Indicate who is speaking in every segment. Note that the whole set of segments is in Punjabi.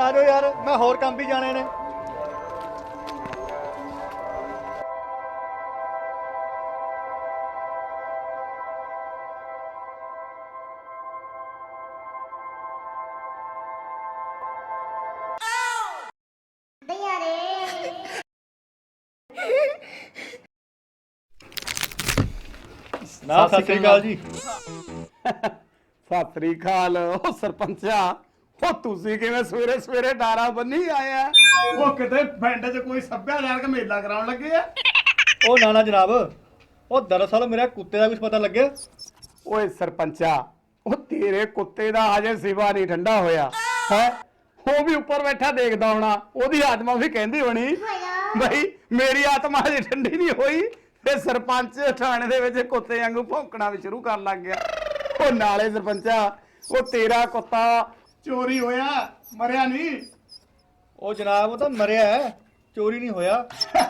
Speaker 1: ਆ ਜਾਓ ਯਾਰ, ਮੈਂ ਹੋਰ ਕੰਮ ਵੀ ਜਾਣੇ ਨੇ। ਨਾ ਸਤਿ ਸ੍ਰੀ ਅਕਾਲ ਜੀ।
Speaker 2: ਸਤਿ ਸ੍ਰੀ ਅਕਾਲ। ਉਹ ਸਰਪੰਚਾ, ਉਹ ਤੁਸੀਂ ਕਿਵੇਂ ਸਵੇਰੇ ਸਵੇਰੇ ਡਾਰਾ ਬੰਨੀ ਆਇਆ? ਉਹ ਕਿਤੇ ਪਿੰਡ 'ਚ ਕੋਈ ਸੱਭਿਆਚਾਰਕ ਮੇਲਾ ਕਰਾਉਣ ਲੱਗੇ ਆ?
Speaker 1: ਉਹ ਨਾ ਜਨਾਬ, ਉਹ ਦਰਅਸਲ ਮੇਰੇ ਕੁੱਤੇ ਦਾ ਕੁਝ ਪਤਾ ਲੱਗਿਆ।
Speaker 2: ਓਏ ਸਰਪੰਚਾ, ਉਹ ਤੇਰੇ ਕੁੱਤੇ ਦਾ ਹਜੇ ਸਿਵਾ ਨਹੀਂ ਠੰਡਾ ਹੋਇਆ ਹੈ। ਉਹ ਵੀ ਉੱਪਰ ਬੈਠਾ ਦੇਖਦਾ ਹੋਣਾ, ਉਹਦੀ ਆਤਮਾ ਵੀ ਕਹਿੰਦੀ ਹੋਣੀ ਬਈ ਮੇਰੀ ਆਤਮਾ ਹਜੇ ਠੰਡੀ ਨਹੀਂ ਹੋਈ, ਤੇ ਸਰਪੰਚ ਥਾਣੇ ਦੇ ਵਿੱਚ ਕੁੱਤੇ ਵਾਂਗੂ ਭੌਂਕਣਾ ਵੀ ਸ਼ੁਰੂ ਕਰਨ ਲੱਗ ਗਿਆ। ਉਹ ਨਾਲੇ ਸਰਪੰਚਾ, ਉਹ ਤੇਰਾ ਕੁੱਤਾ ਚੋਰੀ ਹੋਇਆ, ਮਰਿਆ ਨਹੀਂ।
Speaker 1: ਉਹ ਜਨਾਬ, ਉਹ ਤਾਂ ਮਰਿਆ ਹੈ, ਚੋਰੀ ਨਹੀਂ ਹੋਇਆ।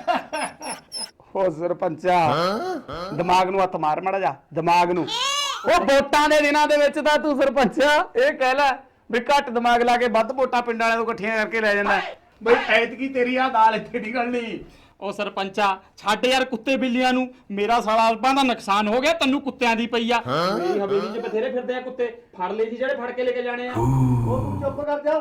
Speaker 2: ਉਹ ਸਰਪੰਚਾ, ਦਿਮਾਗ ਨੂੰ ਹੱਥ ਮਾਰ ਮਾੜਾ ਜਾ, ਦਿਮਾਗ ਨੂੰ। ਉਹ ਵੋਟਾਂ ਦੇ ਦਿਨਾਂ ਦੇ ਵਿੱਚ ਤਾਂ ਤੂੰ ਸਰਪੰਚਾ ਇਹ ਕਹਿ ਲੈ ਵੀ ਘੱਟ ਦਿਮਾਗ ਲਾ ਕੇ ਵੱਧ ਵੋਟਾਂ ਪਿੰਡ ਵਾਲਿਆਂ ਤੋਂ ਇਕੱਠੀਆਂ ਕਰਕੇ ਲੈ ਜਾਂਦਾ ਬਈ ਐਤਕੀ ਤੇਰੀ ਆ ਦਾਲ ਇੱਥੇ ਨਿਕਲਣੀ।
Speaker 3: ਉਹ ਸਰਪੰਚਾ ਛੱਡ ਯਾਰ ਕੁੱਤੇ ਬਿੱਲੀਆਂ ਨੂੰ, ਮੇਰਾ ਸਾਲਾ ਅਲਪਾਂ ਦਾ ਨੁਕਸਾਨ ਹੋ ਗਿਆ, ਤੈਨੂੰ ਕੁੱਤਿਆਂ ਦੀ ਪਈ ਆ। ਮੇਰੀ ਹਵੇਲੀ 'ਚ ਬਥੇਰੇ ਫਿਰਦੇ ਆ ਕੁੱਤੇ, ਫੜ ਲਈ ਜੀ ਜਿਹੜੇ ਫੜ ਕੇ ਲੈ ਕੇ ਜਾਣੇ ਆ।
Speaker 1: ਉਹ ਤੂੰ ਚੁੱਪ ਕਰ ਜਾ।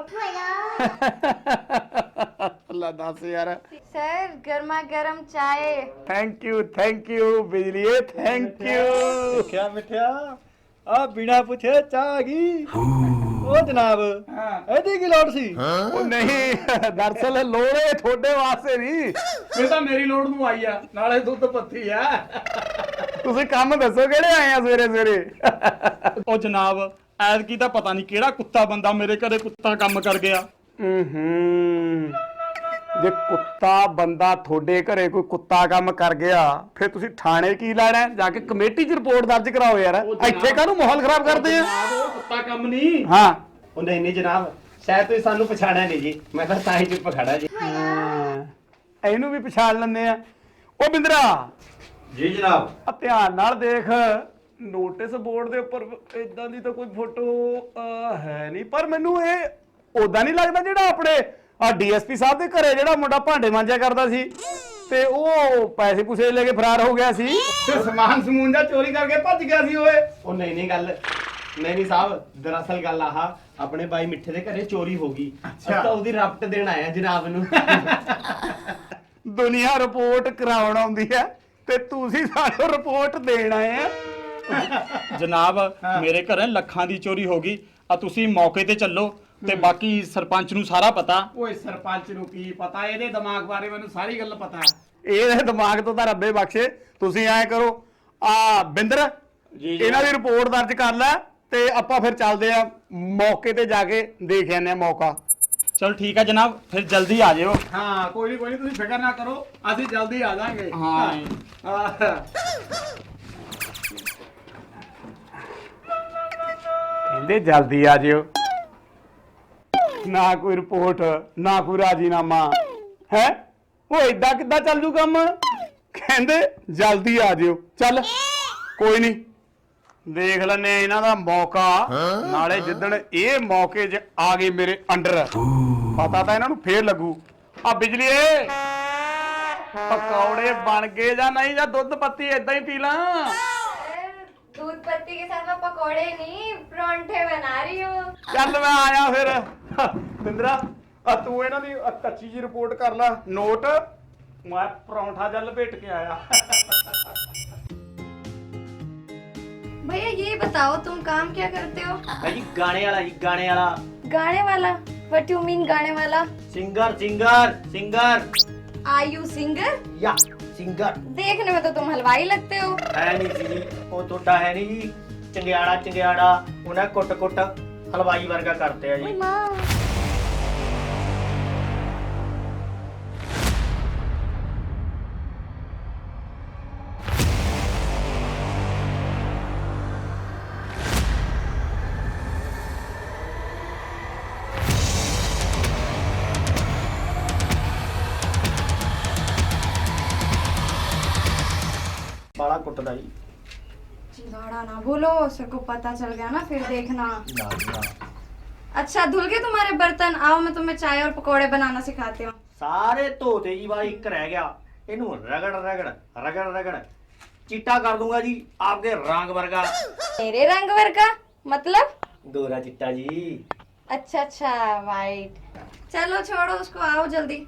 Speaker 2: ਅੱਲਾ ਦੱਸ ਯਾਰ।
Speaker 4: सर गर्मा गर्म चाय।
Speaker 2: ਥੈਂਕ ਯੂ ਬਿਜਲੀਏ, ਥੈਂਕ ਯੂ।
Speaker 1: ਮਿੱਠਿਆ ਮਿੱਠਿਆ, ਆ ਬਿਨਾ ਪੁੱਛੇ ਚਾਹ ਆ ਗਈ। ਉਹ ਜਨਾਬ, ਇਹਦੀ ਕੀ ਲੋੜ ਸੀ?
Speaker 2: ਉਹ ਨਹੀਂ, ਦਰਅਸਲ ਲੋੜੇ ਤੁਹਾਡੇ ਵਾਸਤੇ ਨਹੀਂ,
Speaker 3: ਇਹ ਤਾਂ ਮੇਰੀ ਲੋੜ ਨੂੰ ਆਈ ਆ, ਨਾਲੇ ਦੁੱਧ ਪੱਤੀ ਆ।
Speaker 2: ਤੁਸੀਂ ਕੰਮ ਦੱਸੋ ਕਿਹੜੇ ਆਏ ਆ ਸਵੇਰੇ ਸਵੇਰੇ?
Speaker 3: ਉਹ ਜਨਾਬ, ਐਤਕੀ ਤਾਂ ਪਤਾ ਨਹੀਂ ਕਿਹੜਾ ਕੁੱਤਾ ਬੰਦਾ ਮੇਰੇ ਘਰੇ ਕੁੱਤਾ ਕੰਮ ਕਰ ਗਿਆ।
Speaker 2: ਜੇ ਕੁੱਤਾ ਬੰਦਾ ਤੁਹਾਡੇ ਘਰੇ ਕੋਈ ਕੁੱਤਾ ਕੰਮ ਕਰ ਗਿਆ, ਫਿਰ ਤੁਸੀਂ ਥਾਣੇ ਕੀ ਲੈਣਾ? ਜਾ ਕੇ ਕਮੇਟੀ 'ਚ ਰਿਪੋਰਟ ਦਰਜ ਕਰਾਓ ਯਾਰ। ਇੱਥੇ ਕਾਹਨੂੰ ਮਾਹੌਲ ਖਰਾਬ ਕਰਦੇ ਆ?
Speaker 3: ਉਹ ਕੁੱਤਾ ਕੰਮ ਨਹੀਂ।
Speaker 2: ਹਾਂ,
Speaker 5: ਉਹ ਨਹੀਂ ਜਨਾਬ, ਸ਼ਾਇਦ ਤੁਸੀਂ ਸਾਨੂੰ ਪਛਾਣਿਆ ਨਹੀਂ ਜੀ, ਮੈਂ ਤਾਂ ਤਾਂ ਹੀ ਚੁੱਪ ਖੜਾ ਜੀ।
Speaker 2: ਇਹਨੂੰ ਵੀ ਪਛਾਣ ਲੈਂਦੇ ਆ। ਉਹ ਬਿੰਦਰਾ
Speaker 5: ਜੀ ਜਨਾਬ।
Speaker 2: ਆ ਧਿਆਨ ਨਾਲ ਦੇਖ, ਨੋਟਿਸ ਬੋਰਡ ਦੇ ਉੱਪਰ ਇਦਾਂ ਦੀ ਤਾਂ ਕੋਈ ਫੋਟੋ ਹੈ ਨਹੀਂ, ਪਰ ਮੈਨੂੰ ਇਹ ਉਦਾਂ ਨਹੀਂ ਲੱਗਦਾ ਜਿਹੜਾ ਆਪਣੇ ਆ ਡੀਐਸਪੀ ਸਾਹਿਬ ਦੇ ਘਰੇ ਜਿਹੜਾ ਮੁੰਡਾ ਭਾਂਡੇ ਮਾਂਜਿਆ ਕਰਦਾ ਸੀ ਤੇ ਉਹ ਪੈਸੇ ਪੂਸੇ ਲੈ ਕੇ ਫਰਾਰ ਹੋ ਗਿਆ ਸੀ ਤੇ ਸਮਾਨ ਸਮੂਨ ਦਾ ਚੋਰੀ ਕਰਕੇ ਭੱਜ ਗਿਆ ਸੀ ਓਏ।
Speaker 5: ਉਹ ਨਹੀਂ ਗੱਲ, ਨਹੀਂ ਸਾਹਿਬ, ਦਰਅਸਲ ਗੱਲ ਆਹ ਆਪਣੇ ਬਾਈ ਮਿੱਠੇ ਦੇ ਘਰੇ ਚੋਰੀ ਹੋ ਗਈ। ਅਸੀਂ ਤਾਂ ਉਹਦੀ ਰਾਪਟ ਦੇਣ ਆਇਆ ਜਨਾਬ ਨੂੰ।
Speaker 2: ਦੁਨੀਆ ਰਿਪੋਰਟ ਕਰਾਉਣ ਆਉਂਦੀ ਹੈ ਤੇ ਤੁਸੀਂ ਸਾਨੂੰ ਰਿਪੋਰਟ ਦੇਣ ਆਏ ਆ।
Speaker 3: ਜਨਾਬ, ਮੇਰੇ ਘਰੇ ਲੱਖਾਂ ਦੀ ਚੋਰੀ ਹੋ ਗਈ ਆ, ਤੁਸੀਂ ਮੌਕੇ ਤੇ ਚੱਲੋ ਤੇ ਬਾਕੀ ਸਰਪੰਚ ਨੂੰ ਸਾਰਾ ਪਤਾ।
Speaker 2: ਓਏ ਸਰਪੰਚ ਨੂੰ ਕੀ ਪਤਾ, ਇਹਦੇ ਦਿਮਾਗ ਬਾਰੇ ਮੈਨੂੰ ਸਾਰੀ ਗੱਲ ਪਤਾ। ਇਹਦੇ ਦਿਮਾਗ ਤੋਂ ਤਾਂ ਰੱਬੇ ਬਖਸ਼ੇ। ਤੁਸੀਂ ਐ ਕਰੋ, ਆ ਬਿੰਦਰ ਇਹਨਾਂ ਦੀ ਰਿਪੋਰਟ ਦਰਜ ਕਰ ਲੈ ਤੇ ਆਪਾਂ ਫਿਰ ਚੱਲਦੇ ਆ ਮੌਕੇ ਤੇ ਜਾ ਕੇ ਦੇਖ ਆਨੇ ਆ ਮੌਕਾ।
Speaker 3: ਚਲ ਠੀਕ ਆ ਜਨਾਬ, ਫਿਰ ਜਲਦੀ ਆ ਜਿਓ।
Speaker 2: ਹਾਂ ਕੋਈ ਨਹੀਂ, ਤੁਸੀਂ ਫਿਕਰ ਨਾ ਕਰੋ, ਅਸੀਂ ਜਲਦੀ ਆ ਜਾਾਂਗੇ।
Speaker 3: ਹਾਂ
Speaker 2: ਕਹਿੰਦੇ ਜਲਦੀ ਆ ਜਿਓ, ਨਾ ਕੋਈ ਰਿਪੋਰਟ ਨਾ ਕੋਈ ਰਾਜੀਨਾਮਾ ਹੈ। ਉਹ ਏਦਾਂ ਕਿੱਦਾਂ ਚੱਲ ਜੂ ਕੰਮ? ਕਹਿੰਦੇ ਜਲਦੀ ਆ ਜਿਓ। ਚੱਲ ਕੋਈ ਨਹੀਂ, ਦੇਖ ਲੈਨੇ ਇਹਨਾਂ ਦਾ ਮੌਕਾ। ਨਾਲੇ ਜਿੱਦਣ ਇਹ ਮੌਕੇ 'ਚ ਆ ਗਏ ਮੇਰੇ ਅੰਡਰ, ਪਤਾ ਤਾਂ ਇਹਨਾਂ ਨੂੰ ਫੇਰ ਲੱਗੂ। ਆ ਬਿਜਲੀਏ, ਪਕੌੜੇ ਬਣ ਗਏ ਜਾਂ ਨਹੀਂ, ਜਾਂ ਦੁੱਧ ਪੱਤੀ ਏਦਾਂ ਹੀ ਪੀ ਲਾਂ?
Speaker 4: दूध पत्ती के साथ में पकोड़े नहीं परांठे बना रही हूँ।
Speaker 2: ਚੱਲ ਮੈਂ ਆਇਆ ਫਿਰ। ਬਿੰਦਰਾ, ਆ ਤੂੰ ਇਹਨਾਂ ਦੀ ਕੱਚੀ ਜੀ ਰਿਪੋਰਟ ਕਰ ਲੈ ਨੋਟ, ਮੈਂ ਪਰੌਂਠਾ ਜਲ ਲਪੇਟ ਕੇ ਆਇਆ।
Speaker 4: भैया ये बताओ तुम काम क्या करते हो?
Speaker 5: ਭਾਈ ਗਾਣੇ ਵਾਲਾ ਜੀ, ਗਾਣੇ ਵਾਲਾ।
Speaker 4: गाने वाला? What you mean गाने वाला?
Speaker 5: Singer.
Speaker 4: Are you singer?
Speaker 5: Yeah singer.
Speaker 4: देखने में तो तुम हलवाई लगते हो।
Speaker 5: ਹੈ ਨਹੀਂ ਜੀ, ਉਹ ਤੁਹਾਡਾ ਹੈ ਨਹੀਂ ਜੀ। ਚੰਗਿਆੜਾ ਉਹਨਾਂ ਕੁੱਟ ਹਲਵਾਈ ਵਰਗਾ ਕਰਤੇ ਆ ਜੀ।
Speaker 4: ओए माँ।
Speaker 5: ਬਾਲਾ ਕੁੱਟਦਾ ਜੀ।
Speaker 4: चिंगाड़ा ना बोलो, सबको पता चल गया ना फिर देखना। अच्छा धुल गए तुम्हारे बर्तन, आओ मैं तुम्हें चाय और पकोड़े बनाना सिखाती हूँ।
Speaker 1: ਸਾਰੇ ਧੋਤੇ ਜੀ ਬਾਈ, ਇੱਕ ਰਹਿ ਗਿਆ। ਇਹਨੂੰ ਰਗੜ ਰਗੜ ਰਗੜ ਰਗੜ ਚਿੱਟਾ ਕਰ ਦੂੰਗਾ ਜੀ ਆਪਕੇ ਰੰਗ ਵਰਗਾ।
Speaker 4: मेरे रंग वर्ग का मतलब?
Speaker 1: ਗੋਰਾ ਚਿੱਟਾ ਜੀ।
Speaker 4: अच्छा अच्छा वाइट। चलो छोड़ो उसको, आओ जल्दी।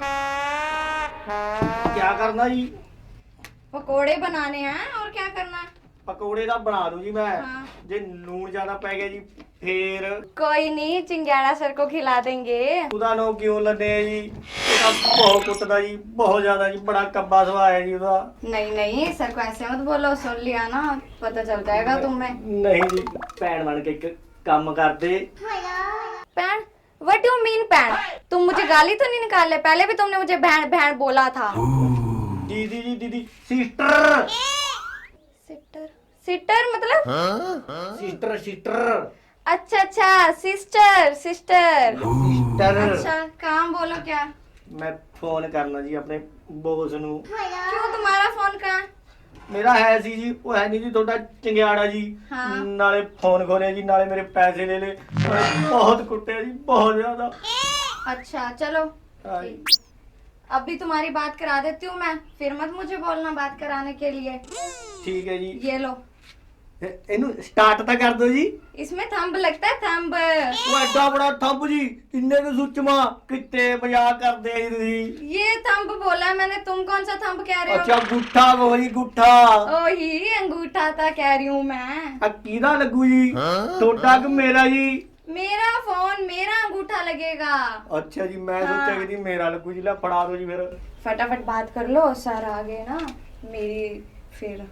Speaker 1: क्या करना जी?
Speaker 4: पकोड़े बनाने हैं और क्या करना है?
Speaker 1: ਪਕੌੜੇ ਦਾ ਬਣਾ ਦੂੰ ਜੀ ਮੈਂ।
Speaker 4: हाँ।
Speaker 1: ਜੇ ਲੂਣ ਜ਼ਿਆਦਾ ਪੈ ਗਿਆ ਜੀ ਫੇਰ
Speaker 4: कोई नहीं, चिंगाड़ा सर को खिला देंगे।
Speaker 1: ਉਹਦਾ ਨੋ ਕਿਉਂ ਲੱਦੇ ਜੀ? ਉਹਦਾ ਬਹੁਤ ਕੁੱਟਦਾ ਜੀ, ਬਹੁਤ ਜ਼ਿਆਦਾ ਜੀ, ਬੜਾ ਕੱਬਾ ਸੁਭਾਅ ਹੈ ਜੀ ਉਹਦਾ।
Speaker 4: नहीं नहीं सर को ऐसे मत बोलो, सुन लिया ना, पता चल जाएगा तुम्हें।
Speaker 1: ਨਹੀਂ ਜੀ, ਭੈਣ ਬਣ ਕੇ ਇੱਕ ਕੰਮ ਕਰਦੇ।
Speaker 4: पैन? What do you mean पैन? तुम मुझे गाली तो नहीं निकाल रहे? पहले भी तुमने मुझे बहन बहन बोला था।
Speaker 1: ਦੀਦੀ ਜੀ, ਦੀਦੀ ਸਿਸਟਰ।
Speaker 4: सिस्टर सिस्टर मतलब?
Speaker 1: ਸਿਸਟਰ ਸਿਸਟਰ
Speaker 4: अच्छा अच्छा सिस्टर सिस्टर।
Speaker 1: ਸਿਸਟਰ।
Speaker 4: अच्छा काम बोलो क्या?
Speaker 1: ਮੈਂ ਫੋਨ ਕਰਨਾ ਜੀ ਆਪਣੇ ਬੋਸ ਨੂੰ।
Speaker 4: क्यों तुम्हारा फोन कहाँ है?
Speaker 1: ਮੇਰਾ ਹੈ ਸੀ ਜੀ, ਉਹ ਹੈ ਨਹੀਂ ਜੀ, ਤੁਹਾਡਾ ਚੰਗਿਆੜਾ ਜੀ।
Speaker 4: ਹਾਂ।
Speaker 1: ਨਾਲੇ ਫੋਨ ਖੋਲਿਆ ਜੀ, ਨਾਲੇ ਮੇਰੇ ਪੈਸੇ ਲੈ ਲਏ, ਨਾਲੇ ਬਹੁਤ ਕੁੱਟਿਆ ਜੀ, ਬਹੁਤ ਜ਼ਿਆਦਾ।
Speaker 4: अच्छा चलो
Speaker 1: हाँ।
Speaker 4: ठीक। अभी तुम्हारी बात करा देती हूँ मैं, फिर मत मुझे बोलना बात कराने के लिए।
Speaker 1: ਠੀਕ ਹੈ ਜੀ।
Speaker 4: ये लो,
Speaker 1: ਇਹਨੂੰ ਸਟਾਰਟ ਤਾਂ ਕਰ ਦਿਓ ਜੀ।
Speaker 4: इसमें थंब लगता है थंब।
Speaker 1: ਉਹ ਐਡਾ ਬੜਾ ਥੰਬ ਜੀ, ਇੰਨੇ ਕੁ ਸੁੱਚਮਾ, ਕਿਤੇ ਮਜ਼ਾਕ ਕਰਦੇ ਆ ਜੀ ਤੁਸੀਂ।
Speaker 4: ये थंब बोला है मैंने, तुम कौन सा थंब कह रहे हो?
Speaker 1: ਅੱਛਾ ਗੁੱਠਾ ਕਹੋ ਜੀ, ਗੁੱਠਾ।
Speaker 4: ओही अंगूठा था कह रही हूँ मैं।
Speaker 1: ਆ ਕਿਹਦਾ ਲੱਗੂ ਜੀ? ਤੁਹਾਡਾ ਕਿ ਮੇਰਾ ਜੀ?
Speaker 4: मेरा फोन, मेरा अंगूठा लगेगा।
Speaker 1: ਅੱਛਾ ਜੀ, ਮੈਂ ਸੋਚਿਆ ਕਿ ਜੀ ਮੇਰਾ ਲੱਗੂ ਜੀ। ਲੈ ਫੜਾ ਦਿਓ ਜੀ ਫਿਰ।
Speaker 4: फटाफट बात कर लो, सर आ गए ना मेरी फिर।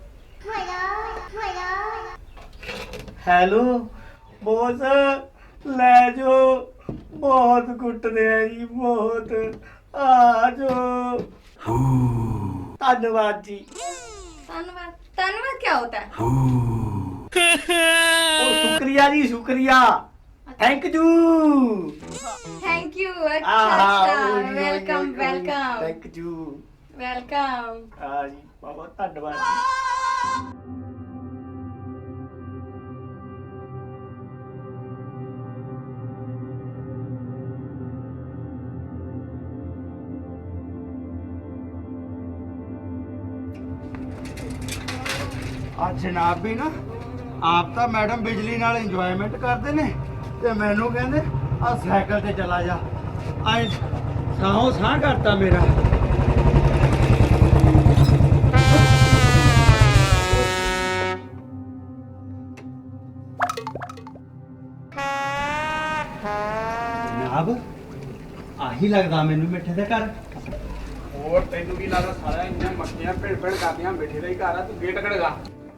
Speaker 1: ਹੈਲੋ ਬੋਸ, ਲੈ ਜੋ, ਬਹੁਤ ਕੁੱਟਦੇ ਆ ਜੀ, ਬਹੁਤ। ਆ ਜੋ। ਧੰਨਵਾਦ ਜੀ।
Speaker 4: धन्यवाद धन्यवाद क्या होता है?
Speaker 1: ਉਹ ਸ਼ੁਕਰੀਆ ਜੀ, ਸ਼ੁਕਰੀया, ਥੈਂਕ ਯੂ।
Speaker 4: Thank you. अच्छा अच्छा welcome welcome
Speaker 1: thank you.
Speaker 4: Welcome.
Speaker 1: ਆ ਜੀ, ਬਹੁਤ ਧੰਨਵਾਦ ਜੀ। ਆ ਜਨਾਬ ਵੀ ਨਾ, ਆਪ ਤਾਂ ਮੈਡਮ ਬਿਜਲੀ ਨਾਲ ਇੰਜੋਇਮੈਂਟ ਕਰਦੇ ਨੇ, ਤੇ ਮੈਨੂੰ ਕਹਿੰਦੇ ਆ ਸਾਈਕਲ ਤੇ ਚਲਾ ਜਾ। ਆਏ ਸਾਹੋਂ ਸਾਹ ਕਰਤਾ ਮੇਰਾ। ਜਨਾਬ ਆਹੀ ਲੱਗਦਾ ਮੈਨੂੰ ਮਿੱਠੇ ਦੇ ਘਰ।
Speaker 2: ਹੋਰ ਤੈਨੂੰ ਕੀ ਲੱਗਦਾ ਸਾਰਾ ਇੰਨਾ ਮੱਖੀਆਂ ਭਿੜ ਭਿੜ ਕਰਦੀਆਂ ਬੈਠੇ ਦਾ ਹੀ ਘਰ ਆ, ਤੂੰ ਗੇਟ ਖੜਗਾ।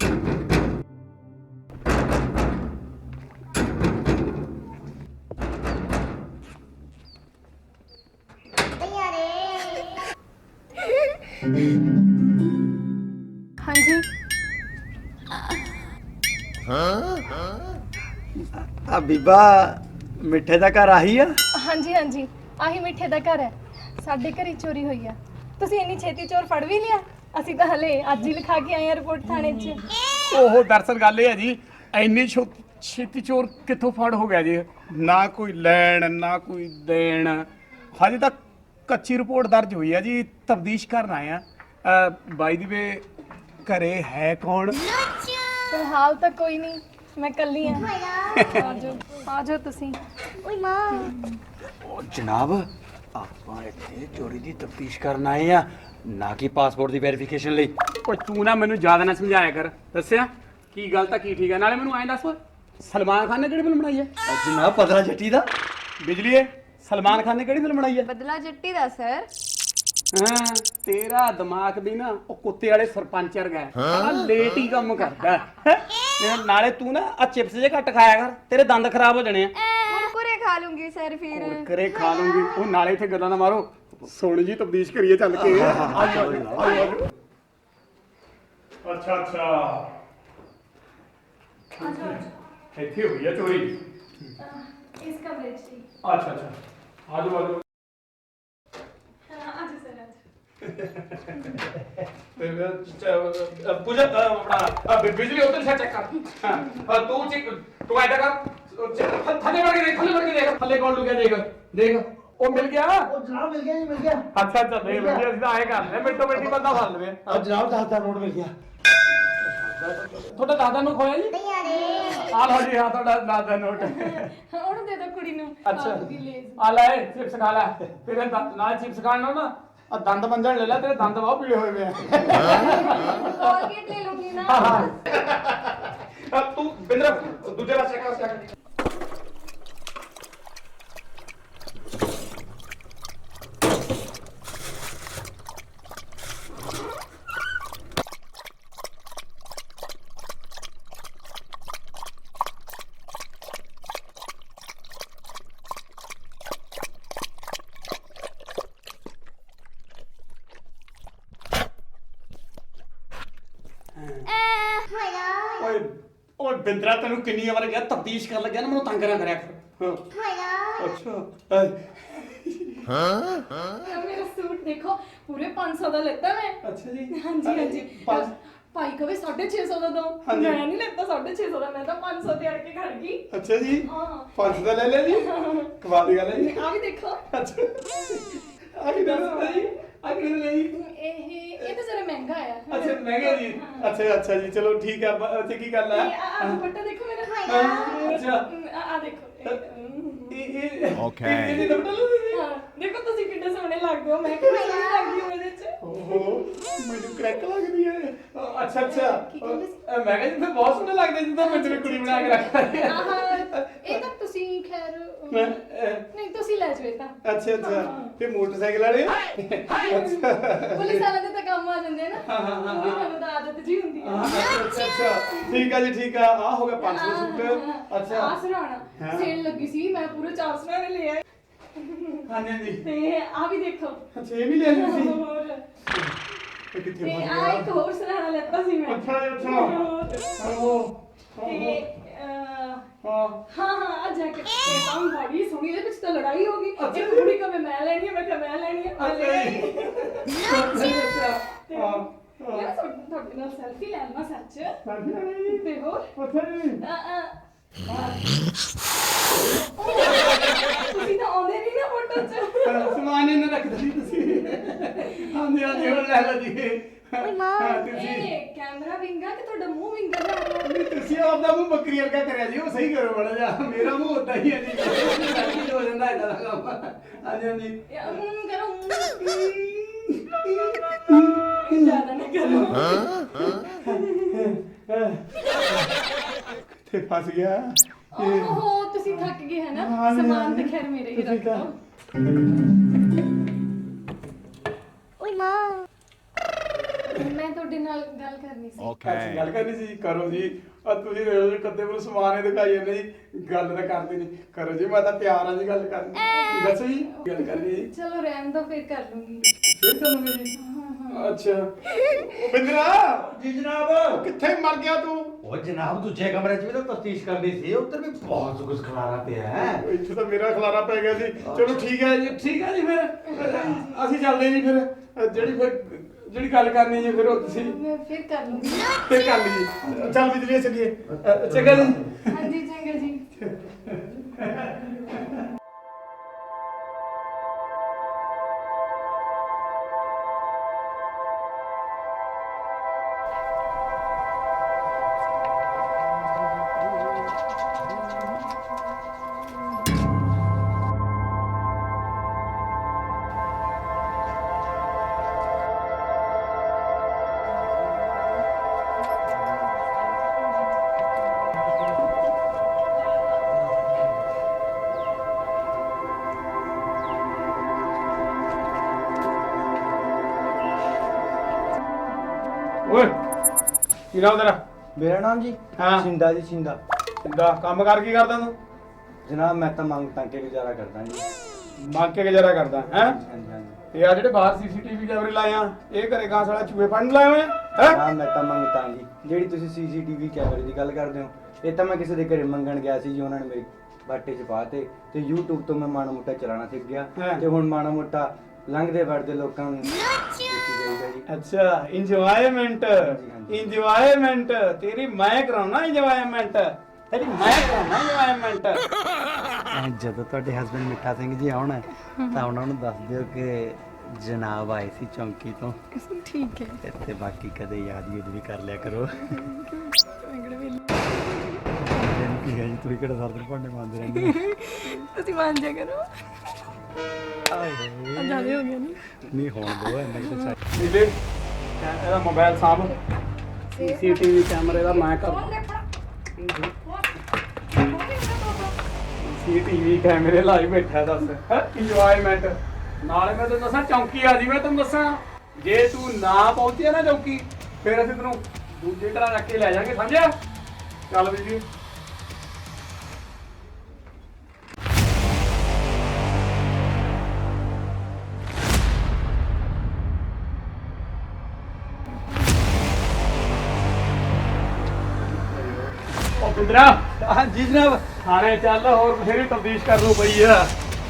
Speaker 4: हाँ जी
Speaker 1: ਆ ਬੀਬਾ ਮਿੱਠੇ ਦਾ ਘਰ ਆਹੀ ਆ?
Speaker 6: ਹਾਂਜੀ ਹਾਂਜੀ ਆਹੀ ਮਿੱਠੇ ਦਾ ਘਰ ਹੈ। ਸਾਡੇ ਘਰੇ ਚੋਰੀ ਹੋਈ ਆ। ਤੁਸੀਂ ਇੰਨੀ ਛੇਤੀ ਚੋਰ ਫੜ ਵੀ ਲਿਆ? ਅਸੀਂ ਤਾਂ ਹਲੇ ਅੱਜ ਹੀ ਲਿਖਾ ਕੇ ਆਏ ਆ ਰਿਪੋਰਟ ਥਾਣੇ 'ਚ।
Speaker 2: ਉਹ ਦਰਅਸਲ ਗੱਲ ਇਹ ਹੈ ਜੀ, ਇੰਨੀ ਛੇਤੀ ਚੋਰ ਕਿੱਥੋਂ ਫੜ ਹੋ ਗਿਆ ਜੀ? ਨਾ ਕੋਈ ਲੈਣ ਨਾ ਕੋਈ ਦੇਣ, ਹਜੇ ਤੱਕ ਕੱਚੀ ਰਿਪੋਰਟ ਦਰਜ ਹੋਈ ਹੈ ਜੀ, ਤਫਤੀਸ਼ ਕਰਨ ਆਏ ਆ। ਬਾਈ ਦੀ ਵੇ ਘਰੇ ਹੈ ਕੌਣ?
Speaker 6: ਫਿਲਹਾਲ ਤਾਂ ਕੋਈ ਨਹੀਂ, ਮੈਂ ਕੱਲੀ ਆ। ਆ ਜਾਓ ਤੁਸੀਂ।
Speaker 1: ਉਹ ਜਨਾਬ, ਆਪਾਂ ਇੱਥੇ ਚੋਰੀ ਦੀ ਤਫਤੀਸ਼ ਕਰਨ ਆਏ ਆ, ਨਾ ਕਿ ਪਾਸਪੋਰਟ ਦੀ ਵੈਰੀਫਿਕੇਸ਼ਨ ਲਈ।
Speaker 2: ਓਏ ਤੂੰ ਨਾ ਮੈਨੂੰ ਜ਼ਿਆਦਾ ਨਾ ਸਮਝਾਇਆ ਕਰ, ਦੱਸਿਆ ਕੀ ਗਲਤ ਆ ਕੀ ਠੀਕ ਆ। ਨਾਲੇ ਮੈਨੂੰ ਐਂ ਦੱਸ, ਸਲਮਾਨ ਖਾਨ ਨੇ ਕਿਹੜੀ ਫਿਲਮ ਬਣਾਈ ਹੈ?
Speaker 1: ਜਨਾਬ ਪਤਲਾ ਜੱਟੀ ਦਾ।
Speaker 2: ਬਿਜਲੀਏ, ਸਲਮਾਨ ਖਾਨ ਨੇ ਕਿਹੜੀ ਫਿਲਮ ਬਣਾਈ ਹੈ?
Speaker 4: बदला जट्टी दा सर।
Speaker 2: ਹਾਂ, ਤੇਰਾ ਦਿਮਾਗ ਵੀ ਨਾ ਉਹ ਕੁੱਤੇ ਵਾਲੇ ਸਰਪੰਚ ਵਰਗਾ ਹੈ, ਬੜਾ ਲੇਟ ਹੀ ਕੰਮ ਕਰਦਾ ਹੈ। ਨਾਲੇ ਤੂੰ ਨਾ ਆ ਚਿਪਸ ਜੇ ਘੱਟ ਖਾਇਆ ਕਰ, ਤੇਰੇ ਦੰਦ ਖਰਾਬ ਹੋ ਜਾਣੇ ਆ।
Speaker 4: कुरकुरे खा लूंगी सर फिर।
Speaker 2: ਕਰੇ ਖਾ ਲੂੰਗੀ। ਉਹ ਨਾਲੇ ਇੱਥੇ ਗੱਲਾਂ ਨਾ ਮਾਰੋ, ਸੋਹਣੀ ਜੀ ਤਬਦੀਸ਼ ਕਰੀਏ ਚੱਲ ਕੇ। ਅੱਛਾ ਅੱਛਾ, ਇੱਥੇ ਹੋਈ ਆ ਚੋਰੀ?
Speaker 6: ਇਸ ਕਮਰੇ 'ਚ ਸੀ।
Speaker 2: ਅੱਛਾ ਅੱਛਾ, ਆਜੋ ਆਜੋ।
Speaker 6: ਆਜੋ ਸਰ ਆਜੋ।
Speaker 2: ਪੂਜਾ ਆਪਣਾ ਬਿਜਲੀ ਉਧਰ ਸੇ ਚੈੱਕ ਕਰ। ਤੂੰ ਐਡਾ ਕਰ,
Speaker 3: ਥੱਲੇ ਵੜ ਕੇ ਦੇਖ ਥੱਲੇ ਕੌਣ ਲੁਕਿਆ ਦੇਖ ਉਹ ਮਿਲ ਗਿਆ
Speaker 1: ਉਹ ਜਨਾਬ ਮਿਲ ਗਿਆ ਜੀ ਮਿਲ ਗਿਆ।
Speaker 3: ਅੱਛਾ ਦੇਖ ਮਿਲ ਗਿਆ ਅਸੀਂ ਤਾਂ ਆਏ ਕਰਦੇ ਮਿੰਟੋ ਮਿੰਟੀ ਬੰਦਾ ਫੜ ਲਵੇ
Speaker 1: ਜਨਾਬ 10 ਨੋਟ ਮਿਲ ਗਿਆ।
Speaker 3: ਤੁਹਾਡਾ ਦਾਦਾ ਨੂੰ ਖੋਇਆ ਜੀ ਆ ਲਓ ਜੀ ਹਾਂ ਤੁਹਾਡਾ ਦਾਦਾ ਨੋਟ
Speaker 6: ਉਹਨੂੰ ਦੇ ਦਿਓ ਕੁੜੀ ਨੂੰ
Speaker 3: ਅੱਛਾ
Speaker 6: ਆਲੂ ਦੀ ਲੇਜ਼।
Speaker 3: ਆ ਲੈ ਚਿਪਸ ਖਾ ਲੈ ਤੇਰੇ ਨਾਲ ਚਿਪਸ ਖਾਣ ਨਾਲ ਨਾ ਆ ਦੰਦ ਮੰਜਣ ਲੈ ਲੈ ਤੇਰੇ ਦੰਦ ਬਹੁਤ ਪੀਲੇ ਹੋਏ ਪਏ ਆ
Speaker 4: कोलगेट ले लूंगी ना।
Speaker 3: ਹਾਂ ਤੂੰ ਬਿੰਦਰ ਦੂਜੇ ਪਾਸੇ ਕਰ ਓਏ ਓਏ ਬਿੰਦਰਾ ਤੈਨੂੰ ਕਿੰਨੀ ਵਾਰ ਕਿਹਾ ਤਬਦੀਸ਼ ਕਰ ਲੱਗਿਆ ਨਾ ਮੈਨੂੰ ਤੰਗ ਨਾ ਕਰਿਆ ਕਰ ਅੱਛਾ
Speaker 6: ਮੇਰਾ ਸੂਟ ਦੇਖੋ ਪੂਰੇ 500 ਦਾ ਲੈਤਾ ਮੈਂ।
Speaker 3: ਅੱਛਾ ਜੀ
Speaker 6: ਹਾਂਜੀ ਭਾਈ ਕਵੇ 650 ਦਾ ਦੋ
Speaker 3: ਹਾਂਜੀ।
Speaker 6: ਮੈਂ ਨਹੀਂ ਲੈਤਾ 650 ਦਾ ਮੈਂ ਤਾਂ 500 ਤੇ ਅੜ ਕੇ ਖੜ ਗਈ।
Speaker 3: ਅੱਛਾ ਜੀ
Speaker 6: ਹਾਂ
Speaker 3: 500 ਦਾ ਲੈ ਲਿਆ ਜੀ ਕਮਾਲ ਦੀ ਗੱਲ ਹੈ ਜੀ
Speaker 6: ਆ ਵੀ ਦੇਖੋ
Speaker 3: ਅੱਛਾ ਆ ਕੀ ਦੱਸਦਾ ਜੀ ਆ ਕੀ ਲਈ
Speaker 6: ਇਹ ਤਾਂ ਜ਼ਰਾ ਮਹਿੰਗਾ ਆਇਆ।
Speaker 3: ਅੱਛਾ ਮਹਿੰਗਾ ਜੀ ਅੱਛਾ ਜੀ ਚਲੋ ਠੀਕ ਹੈ ਅੱਛਾ ਕੀ ਗੱਲ ਹੈ
Speaker 6: ਆ ਦੁਪੱਟਾ ਦੇਖੋ ਮੇਰਾ।
Speaker 3: ਅੱਛਾ
Speaker 6: ਆ ਦੇਖੋ
Speaker 3: ਓਕੇ ਇਹ ਤਾਂ ਬਟਲ ਤੁਸੀਂ
Speaker 6: ਹਾਂ ਦੇਖੋ ਤੁਸੀਂ ਕਿੰਨੇ ਸੋਹਣੇ ਲੱਗਦੇ ਹੋ ਮੈਂ ਕਿੰਨੀ ਸੋਹਣੀ ਲੱਗਦੀ ਹਾਂ ਇਹਦੇ ਚ।
Speaker 3: ਓਹੋ ਮੈਨੂੰ ਕਰੈਕ ਲੱਗਦੀ ਹੈ ਅੱਛਾ
Speaker 6: ਕੀ ਕਹਿੰਦੇ ਸੀ?
Speaker 3: ਮੈਂ ਕਹਿੰਦਾ ਜਿੱਦਾਂ ਬਹੁਤ ਸੋਹਣੇ ਲੱਗਦੇ ਜਿੱਦਾਂ ਮੈਂ ਤੇਰੀ ਕੁੜੀ ਬਣਾ ਕੇ ਰੱਖਦਾ
Speaker 6: ਇਹ ਤਾਂ ਤੁਸੀਂ ਖੈਰ
Speaker 3: ਮੈਂ,
Speaker 6: ਨਹੀਂ ਤੁਸੀਂ ਲੈ ਜਾਓ ਇਹ ਤਾਂ।
Speaker 3: ਅੱਛਾ ਤੇ ਮੋਟਰਸਾਈਕਲ ਵਾਲੇ
Speaker 6: ਪੁਲਿਸ ਵਾਲਿਆਂ ਦੇ ਤਾਂ ਕੰਮ ਆ ਜਾਂਦੇ ਆ ਨਾ ਉਹ ਵੀ ਤੁਹਾਨੂੰ ਤਾਂ ਆਦਤ ਜੀ ਹੁੰਦੀ ਹੈ।
Speaker 3: ਅੱਛਾ ਠੀਕ ਆ ਜੀ ਠੀਕ ਆ ਆ ਹੋ ਗਿਆ 500 ਸੂਟ ਅੱਛਾ
Speaker 6: ਆ ਸੁਣਾਉਣਾ ਸੇਲ ਲੱਗੀ ਸੀ ਮੈਂ ਪੂਰੇ 400 ਰੁਪਏ ਲੈ ਆਈ
Speaker 3: ਹਾਂਜੀ
Speaker 6: ਤੇ ਆ ਵੀ ਦੇਖੋ
Speaker 3: ਅੱਛਾ ਇਹ ਵੀ ਲੈ ਲਈ ਸੀ
Speaker 6: ਹੋਰ
Speaker 3: ਇਹ ਕਿੱਥੇ
Speaker 6: ਤੇ
Speaker 3: ਫਸ
Speaker 6: ਆ
Speaker 3: ਗਿਆ
Speaker 6: ਇੱਕ ਹੋਰ ਸੁਣਾਉਣਾ ਲੈਤਾ ਸੀ ਮੈਂ।
Speaker 3: ਅੱਛਾ
Speaker 6: ਤੇ
Speaker 3: ਹਾਂ
Speaker 6: ਆ ਜੈਕਟ ਇਹ ਤਾਂ ਬੜੀ ਸੋਹਣੀ ਇਹਦੇ ਵਿੱਚ ਤਾਂ ਲੜਾਈ ਹੋ ਗਈ
Speaker 3: ਅੱਛਾ
Speaker 6: ਇੱਕ ਕੁੜੀ ਕਹੇ ਮੈਂ ਲੈਣੀ ਹੈ ਮੈਂ ਕਿਹਾ ਮੈਂ ਲੈਣੀ ਹੈ ਮੈਂ ਲੈ ਆਈ। ਤੇ ਯਾਰ ਤੁਹਾਡੇ ਨਾਲ ਸੈਲਫੀ ਲੈਣਾ ਸੱਚ ਤੇ ਹੋਰ ਤੁਸੀਂ ਤਾਂ ਆਉਂਦੇ ਨਹੀਂ ਨਾ ਫੋਟੋ ਚ।
Speaker 3: ਸਮਾਨ ਇਹਨਾਂ ਰੱਖਦਾ ਸੀ ਤੁਸੀਂ ਹਾਂਜੀ ਹੁਣ ਲੈ ਲਓ ਜੀ
Speaker 6: ਇਹ ਕੈਮਰਾ ਵਿੰਗਾ ਕਿ ਤੁਹਾਡਾ ਮੂੰਹ ਵਿੰਗਾ ਜਾ ਰਿਹਾ?
Speaker 3: ਤੁਸੀਂ ਆਪਦਾ ਮੂੰਹ ਬੱਕਰੀ ਵਰਗਾ ਕਰਿਆ ਜੀ ਉਹ ਸਹੀ ਕਰੋ ਬੜਾ ਜਾ ਮੇਰਾ ਮੂੰਹ ਉਦਾਂ ਹੀ ਹੈ ਜੀ ਹੋ ਜਾਂਦਾ ਇਦਾਂ ਦਾ ਕੰਮ ਹਾਂਜੀ
Speaker 6: ਕਰੋ ਜ਼ਿਆਦਾ ਨਾ ਕਰੋ।
Speaker 3: ਕਿੱਥੇ ਫਸ ਗਿਆ
Speaker 6: ਓਹੋ ਤੁਸੀਂ ਥੱਕ ਗਏ ਹੈ ਨਾ ਸਮਾਨ ਤੇ ਖੈਰ ਮੇਰੇ ਹੀ ਰੱਖ ਲਓ। ਮੈਂ ਤੁਹਾਡੇ ਨਾਲ ਗੱਲ ਕਰਨੀ ਸੀ।
Speaker 3: ਅੱਛੀ ਗੱਲ ਕਰਨੀ ਸੀ ਕਰੋ ਜੀ ਆ ਤੁਸੀਂ ਦੇਖ ਲਓ ਕੱਦੇ ਕੋਲ ਸਮਾਨ ਹੀ ਦਿਖਾਈ ਜਾਂਦੇ ਜੀ ਗੱਲ ਤਾਂ ਕਰਦੇ ਨਹੀਂ ਕਰੋ ਜੀ ਮੈਂ ਤਾਂ ਪਿਆਰ ਨਾਲ ਜੀ ਗੱਲ ਕਰਨੀ ਦੱਸੋ ਜੀ ਗੱਲ ਕਰਨੀ ਜੀ
Speaker 6: ਚਲੋ ਰਹਿਣ ਦੋ ਫਿਰ ਕਰ ਲੂੰਗੀ।
Speaker 3: ਫੇਰ ਕਰੋਗੇ ਜੀ ਅੱਛਾ ਉਹ ਬਿੰਦਰਾ
Speaker 1: ਜੀ ਜਨਾਬ।
Speaker 3: ਕਿੱਥੇ ਮਰ ਗਿਆ ਤੂੰ
Speaker 1: ਉਹ ਜਨਾਬ ਦੂਜੇ ਕਮਰੇ 'ਚ ਵੀ ਤਾਂ ਤਫਤੀਸ਼ ਕਰਨੀ ਸੀ ਉੱਧਰ ਵੀ ਬਹੁਤ ਕੁਝ ਖਲਾਰਾ ਪਿਆ ਹੈ।
Speaker 3: ਇੱਥੇ ਤਾਂ ਮੇਰਾ ਖਲਾਰਾ ਪੈ ਗਿਆ ਸੀ ਚਲੋ ਠੀਕ ਹੈ ਜੀ ਫਿਰ ਅਸੀਂ ਚੱਲਦੇ ਜੀ ਫਿਰ ਜਿਹੜੀ ਗੱਲ ਕਰਨੀ ਜੀ ਫਿਰ ਉਹ ਤੁਸੀਂ
Speaker 6: ਮੈਂ ਫਿਰ ਕਰ ਲੂੰਗੀ।
Speaker 3: ਫਿਰ ਕਰ ਲਈਏ ਚੱਲ ਬਿਜਲੀ ਚੱਲੀਏ ਚੰਗਾ ਜੀ
Speaker 6: ਹਾਂਜੀ ਚੰਗਾ ਜੀ।
Speaker 3: ਓਏ ਕੀ ਨਾਮ ਤੇਰਾ
Speaker 1: ਮੇਰਾ ਨਾਮ ਜੀ
Speaker 3: ਹਾਂ।
Speaker 1: ਸਿੰਦਾ ਜੀ ਸਿੰਦਾ।
Speaker 3: ਕਿੱਦਾਂ ਕੰਮ ਕਰ ਕੀ ਕਰਦਾ ਤੂੰ
Speaker 1: ਜਨਾਬ ਮੈਂ ਤਾਂ ਮੰਗ ਤਾਂ ਕੇ ਗੁਜ਼ਾਰਾ ਕਰਦਾ ਜੀ।
Speaker 3: ਮੰਗ ਕੇ ਗੁਜ਼ਾਰਾ ਕਰਦਾ ਹੈ
Speaker 1: ਹਾਂਜੀ ਹਾਂਜੀ।
Speaker 3: ਤੇ ਆ ਜਿਹੜੇ ਬਾਹਰ ਸੀਸੀਟੀਵੀ ਕੈਮਰੇ ਲਾਏ ਆ ਇਹ ਘਰੇ ਗਾਂ ਸਾਲਾ ਚੂਹੇ ਫੜਨ ਲਾਏ ਹੋਏ ਆ
Speaker 1: ਹਾਂ ਮੈਂ ਤਾਂ ਮੰਗ ਤਾਂ ਜੀ ਜਿਹੜੀ ਤੁਸੀਂ ਸੀਸੀਟੀਵੀ ਕੈਮਰੇ ਦੀ ਗੱਲ ਕਰਦੇ ਹੋ ਇਹ ਤਾਂ ਮੈਂ ਕਿਸੇ ਦੇ ਘਰੇ ਮੰਗਣ ਗਿਆ ਸੀ ਜੀ ਉਹਨਾਂ ਨੇ ਮੇਰੀ ਬਾਟੇ 'ਚ ਪਾਤੇ ਤੇ YouTube ਤੋਂ ਮੈਂ ਮਾੜਾ ਮੋਟਾ ਚਲਾਉਣਾ ਸਿੱਖ ਗਿਆ
Speaker 3: ਹਾਂ।
Speaker 1: ਤੇ ਹੁਣ ਮਾੜਾ ਮੋਟਾ ਲੰਘਦੇ ਵੜਦੇ ਲੋਕਾਂ ਨੂੰ ਦੇਖੀ ਜਾਈਦਾ ਜੀ।
Speaker 3: ਅੱਛਾ ਇੰਜੋਇਮੈਂਟ
Speaker 1: ਹਾਂਜੀ, ਹਾਂਜੀ।
Speaker 3: ਇੰਜੋਇਮੈਂਟ ਤੇਰੀ ਮੈਂ ਕਰਾਉਣਾ ਇੰਜੋਇਮੈਂਟ
Speaker 2: ਤੇਰੀ ਮੈਂ ਕਰਾਉਣਾ enjoyment।
Speaker 1: ਜਦੋਂ ਤੁਹਾਡੇ ਹਸਬੰਡ ਮਿੱਠਾ ਸਿੰਘ ਜੀ ਆਉਣ ਤਾਂ ਉਹਨਾਂ ਨੂੰ ਦੱਸ ਦਿਓ ਕਿ ਜਨਾਬ ਆਏ ਸੀ ਚੌਂਕੀ ਤੋਂ
Speaker 6: ਠੀਕ ਹੈ।
Speaker 1: ਤੇ ਬਾਕੀ ਕਦੇ ਯਾਦ ਵੀ ਕਰ ਲਿਆ ਕਰੋ। ਕੀ ਹੈ ਜੀ ਤੁਸੀਂ ਕਿਹੜਾ ਸਰਦਰ ਭਾਂਡੇ ਮਾਂਜਦੇ ਰਹਿੰਦੇ
Speaker 6: ਤੁਸੀਂ ਮੰਨ ਜਾ ਕਰੋ। ਜਿਆਦਾ ਹੋ ਗਿਆ
Speaker 1: ਨਹੀਂ ਹੋਣ ਦਿਓ ਇੰਨਾ ਕਿ ਤਾਂ
Speaker 2: ਨੀਲੇ ਇਹਦਾ ਮੋਬਾਈਲ ਸਾਂਭ, ਸੀਸੀਟੀਵੀ ਕੈਮਰੇ ਦਾ ਮੈਂ ਕਰ ਸੀਸੀਟੀਵੀ ਕੈਮਰੇ ਲਾਈ ਬੈਠਾ ਦੱਸ ਇੰਜੋਇਮੈਂਟ। ਨਾਲੇ ਮੈਂ ਤੈਨੂੰ ਦੱਸਾਂ ਚੌਂਕੀ ਆ ਜੀ, ਮੈਂ ਤੈਨੂੰ ਦੱਸਾਂ ਜੇ ਤੂੰ ਨਾ ਪਹੁੰਚਿਆ ਨਾ ਚੌਂਕੀ ਫਿਰ ਅਸੀਂ ਤੈਨੂੰ ਦੂਜੇ ਤਰ੍ਹਾਂ ਰੱਖ ਕੇ ਲੈ ਜਾਾਂਗੇ, ਸਮਝਿਆ? ਚੱਲ ਵੀ ਜੀ। ਉਹ ਬਿੰਦਰਾ
Speaker 1: ਹਾਂ ਜੀ ਜਨਾਬ।
Speaker 2: ਥਾਣੇ ਚੱਲ, ਹੋਰ ਬਥੇਰੀ ਤਬਦੀਸ਼ ਕਰ ਲੂ ਪਈ ਆ।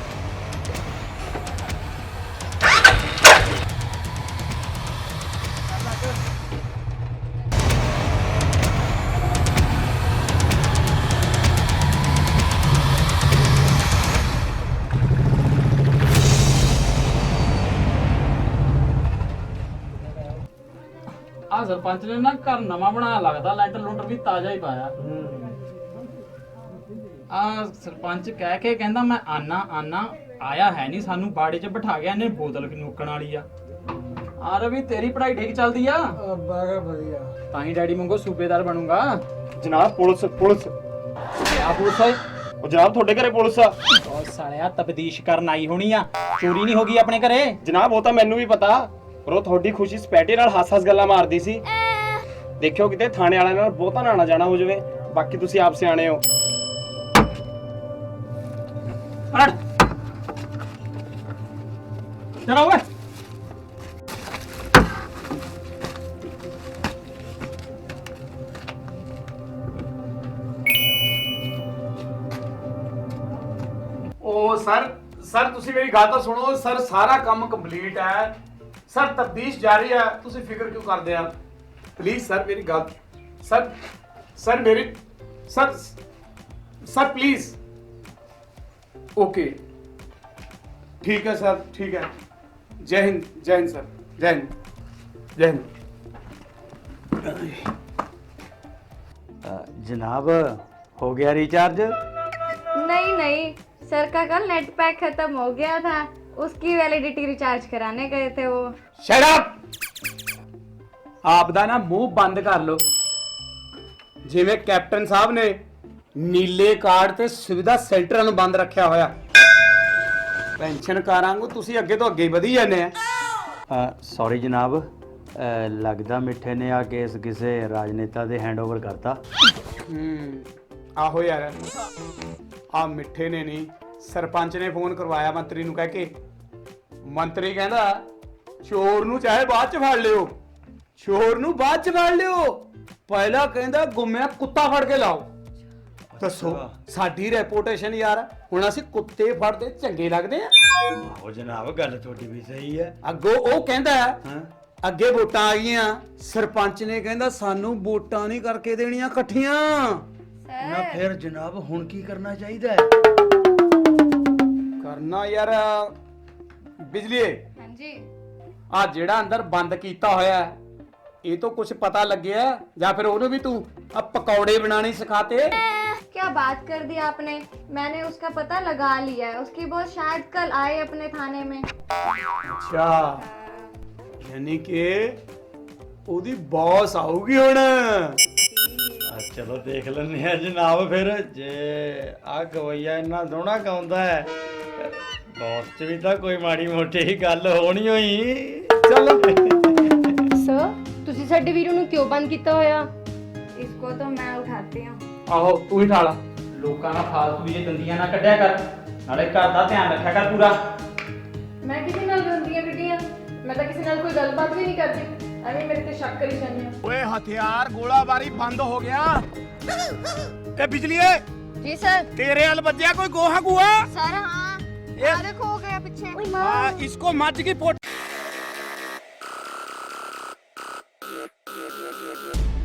Speaker 3: ਆ ਸਰਪੰਚ ਨੇ ਨਾ ਘਰ ਨਵਾਂ ਬਣਾਇਆ ਲੱਗਦਾ, ਲੈਂਟਰ ਲੂੰਟਰ ਵੀ ਤਾਜ਼ਾ ਹੀ ਪਾਇਆ। ਆ ਸਰਪੰਚ ਕਹਿ ਕੇ ਕਹਿੰਦਾ ਮੈਂ ਆਨਾ ਆਇਆ ਹੈ ਨਹੀਂ, ਸਾਨੂੰ ਬਾੜੇ 'ਚ ਬਿਠਾ ਗਿਆ, ਇਹਨੇ ਬੋਤਲ ਨੋਕਣ ਵਾਲੀ ਆ। ਆ ਰਵੀ ਤੇਰੀ ਪੜ੍ਹਾਈ ਠੀਕ ਚੱਲਦੀ ਆ?
Speaker 1: ਬਾਗਾ ਵਧੀਆ।
Speaker 3: ਤਾਂ ਹੀ ਡੈਡੀ ਵਾਂਗੂ ਸੂਬੇਦਾਰ ਬਣੂਗਾ।
Speaker 5: ਜਨਾਬ ਪੁਲਿਸ
Speaker 3: ਆ ਪੁਲਿਸ ਓਏ,
Speaker 5: ਉਹ ਜਨਾਬ ਤੁਹਾਡੇ ਘਰੇ ਪੁਲਿਸ ਆ।
Speaker 3: ਉਹ ਸਾਲਿਆ ਤਬਦੀਸ਼ ਕਰਨ ਆਈ ਹੋਣੀ ਆ, ਚੋਰੀ ਨਹੀਂ ਹੋ ਗਈ ਆਪਣੇ ਘਰੇ?
Speaker 5: ਜਨਾਬ ਉਹ ਤਾਂ ਮੈਨੂੰ ਵੀ ਪਤਾ, ਪਰ ਉਹ ਤੁਹਾਡੀ ਖੁਸ਼ੀ ਸਪੈਟੇ ਨਾਲ ਹੱਸ-ਹੱਸ ਗੱਲਾਂ ਮਾਰਦੀ ਸੀ। ਦੇਖਿਓ ਕਿਤੇ ਥਾਣੇ ਵਾਲਿਆਂ ਨਾਲ ਬਹੁਤਾ ਨਾ ਜਾਣਾ ਹੋ ਜਾਵੇ, ਬਾਕੀ ਤੁਸੀਂ ਆਪ ਸਿਆਣੇ ਹੋ।
Speaker 3: ਹਟ ਚਲਾ ਓਏ।
Speaker 2: ਉਹ ਸਰ ਤੁਸੀਂ ਮੇਰੀ ਗੱਲ ਤਾਂ ਸੁਣੋ ਸਰ, ਸਾਰਾ ਕੰਮ ਕੰਪਲੀਟ ਹੈ ਸਰ, ਤਫਤੀਸ਼ ਜਾਰੀ ਹੈ, ਤੁਸੀਂ ਫਿਕਰ ਕਿਉਂ ਕਰਦੇ ਆ? ਪਲੀਜ਼ ਸਰ ਮੇਰੀ ਗੱਲ ਸਰ ਮੇਰੀ ਸਰ ਪਲੀਜ਼। ਓਕੇ ਠੀਕ ਹੈ ਸਰ, ਠੀਕ ਹੈ। ਜੈ ਹਿੰਦ ਸਰ, ਜੈ ਹਿੰਦ।
Speaker 1: जनाब हो गया रिचार्ज?
Speaker 4: नहीं सर का कल नेट पैक खत्म हो गया था, उसकी वैलिडिटी रिचार्ज कराने गए थे वो।
Speaker 2: Shut up. ਆਪ ਦਾ ਨਾ ਮੂੰਹ ਬੰਦ ਕਰ ਲਓ। ਜਿਵੇਂ ਕੈਪਟਨ ਸਾਹਿਬ ਨੇ ਨੀਲੇ ਕਾਰਡ ਤੇ ਸੁਵਿਧਾ ਸੈਂਟਰਾਂ ਨੂੰ ਬੰਦ ਰੱਖਿਆ ਹੋਇਆ, ਪੈਨਸ਼ਨਕਾਰਾਂ ਨੂੰ ਤੁਸੀਂ ਅੱਗੇ ਤੋਂ ਅੱਗੇ ਹੀ ਵਧੀ ਜਾਂਦੇ ਆ।
Speaker 1: सॉरी जनाब, लगदा मिठे ने आ केस किसी राजनेता दे हैंडओवर करता।
Speaker 2: ਆਹੋ ਯਾਰ, ਆ ਮਿੱਠੇ ਨੇ ਨਹੀਂ, ਸਰਪੰਚ ਨੇ ਫੋਨ ਕਰਵਾਇਆ ਮੰਤਰੀ ਨੂੰ ਕਹਿ ਕੇ। ਮੰਤਰੀ ਕਹਿੰਦਾ ਚੋਰ ਨੂੰ ਚਾਹੇ ਬਾਅਦ ਚ ਫੜ ਲਿਓ, ਪਹਿਲਾਂ ਕਹਿੰਦਾ ਗੁੰਮਿਆ ਕੁੱਤਾ ਫੜ ਕੇ ਲਾਓ। ਦੱਸੋ ਸਾਡੀ ਰੈਪੂਟੇਸ਼ਨ ਯਾਰ, ਹੁਣ ਅਸੀਂ ਕੁੱਤੇ ਫੜਦੇ ਚੰਗੇ ਲੱਗਦੇ ਆ?
Speaker 1: आहो जनाब, गल थोड़ी भी सही है।
Speaker 2: ਅੱਗੋਂ ਉਹ ਕਹਿੰਦਾ
Speaker 1: हाँ?
Speaker 2: ਅੱਗੇ ਵੋਟਾਂ ਆ ਗਈਆਂ, ਸਰਪੰਚ ਨੇ ਕਹਿੰਦਾ ਸਾਨੂੰ ਵੋਟਾਂ ਨਹੀਂ ਕਰਕੇ ਦੇਣੀਆਂ ਇਕੱਠੀਆਂ।
Speaker 1: ना फिर जनाब हुण की करना चाहिए?
Speaker 2: ਕਰਨਾ ਯਾਰ ਬਿਜਲੀਏ,
Speaker 4: हाँ जी।
Speaker 2: ਆ ਜਿਹੜਾ ਅੰਦਰ ਬੰਦ ਕੀਤਾ ਹੋਇਆ ਹੈ, ਇਹ ਤੋਂ ਕੁਝ ਪਤਾ ਲੱਗਿਆ ਜਾਂ ਫਿਰ ਉਹਨੂੰ ਵੀ ਤੂੰ ਆ ਪਕੌੜੇ ਬਣਾਣੇ ਸਿਖਾਤੇ?
Speaker 4: क्या बात कर दी आपने, मैंने उसका पता लगा लिया है, उसकी बॉस शायद कल आए अपने थाने में।
Speaker 2: ਅੱਛਾ, ਯਾਨੀ ਕਿ ਉਹਦੀ ਬੌਸ ਆਊਗੀ ਹੁਣ।
Speaker 1: चलो देख लेने हैं जनाब, फिर जे आ गवैया इन्ना सोहना गाउंदा है, बॉस च भी तो कोई माड़ी मोटी ही गल होनी होई।
Speaker 2: ਚੱਲ
Speaker 6: ਸਰ ਤੁਸੀਂ ਸਾਡੇ ਵੀਰੋ ਨੂੰ ਕਿਉਂ ਬੰਦ ਕੀਤਾ ਹੋਇਆ?
Speaker 4: इसको तो मैं उठाती हूँ।
Speaker 3: ਆਹੋ ਤੂੰ ਹੀ ਠਾਲਾ, ਲੋਕਾਂ ਨਾਲ ਫਾਲਤੂ ਦੀਆਂ ਦੰਦੀਆਂ ਨਾ ਕੱਢਿਆ ਕਰ, ਨਾਲੇ ਘਰ ਦਾ ਧਿਆਨ ਰੱਖਿਆ ਕਰ ਪੂਰਾ।
Speaker 6: ਮੈਂ ਕਿਸੇ ਨਾਲ ਗੰਦੀਆਂ ਕੱਢੀਆਂ? ਮੈਂ ਤਾਂ ਕਿਸੇ ਨਾਲ ਕੋਈ ਗੱਲਬਾਤ ਵੀ ਨਹੀਂ ਕਰਦੀ, ਐਵੇਂ ਮੇਰੇ ਤੇ ਸ਼ੱਕ ਕਰੀ ਜਾਂਦੇ ਹੋ।
Speaker 2: ਓਏ ਹਥਿਆਰ ਗੋਲਾਬਾਰੀ ਬੰਦ ਹੋ ਗਿਆ। ਇਹ ਬਿਜਲੀਏ
Speaker 6: ਜੀ ਸਰ।
Speaker 2: ਤੇਰੇ ਹਲ ਵੱਜਿਆ ਕੋਈ ਗੋਹਾ ਗੂਆ?
Speaker 6: ਸਰ ਹਾਂ,
Speaker 2: ਇਹ
Speaker 6: ਦੇਖੋ ਹੋ ਗਿਆ ਪਿੱਛੇ।
Speaker 2: हाँ, इसको मज की पोट